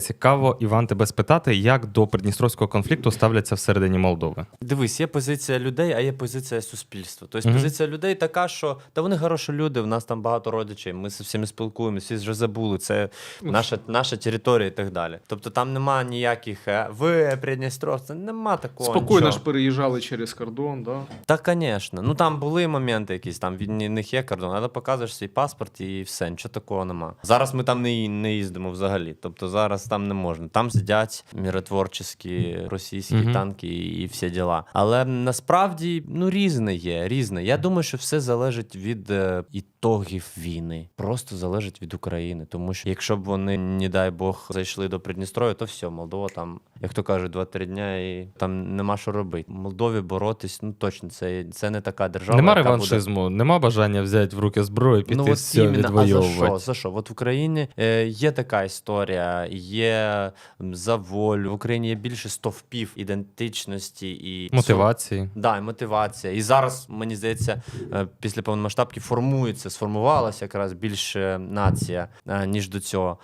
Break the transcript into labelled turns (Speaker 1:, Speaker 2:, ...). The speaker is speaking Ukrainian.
Speaker 1: Цікаво, Іван, тебе спитати, як до придністровського конфлікту ставляться всередині Молдови?
Speaker 2: Дивись, є позиція людей, а є позиція суспільства. Тобто позиція людей така, що та вони хороші люди, в нас там багато родичів, ми з всіми спілкуємося, всі вже забули, це наша територія і так далі. Тобто там нема ніяких ви придністровці, нема такого.
Speaker 3: Спокійно
Speaker 2: нічого.
Speaker 3: ж переїжджали через кордон, да?
Speaker 2: Та, звісно. Ну там були моменти якісь, там від них є кордон, але показуєш свій паспорт і все, нічого такого нема. Зараз ми там не їздимо взагалі. Тобто зараз там не можна. Там сидять миротворчі російські танки і всі діла. Але насправді різне є, різне. Я думаю, що все залежить від ітогів війни. Просто залежить від України. Тому що якщо б вони, не дай Бог, зайшли до Придністров'я, то все, Молдова там, як то кажуть, 2-3 дня і там нема що робити. Молдові боротись, точно, це не така держава.
Speaker 1: Нема
Speaker 2: яка
Speaker 1: реваншизму, нема бажання взяти в руки зброю, піти все відвоювати.
Speaker 2: А за що? От в Україні є така історія, є за волю. В Україні є більше стовпів ідентичності і
Speaker 1: Мотивації.
Speaker 2: Да, і мотивація. І зараз, мені здається, після повномасштабки сформувалася якраз більше нація, ніж до цього.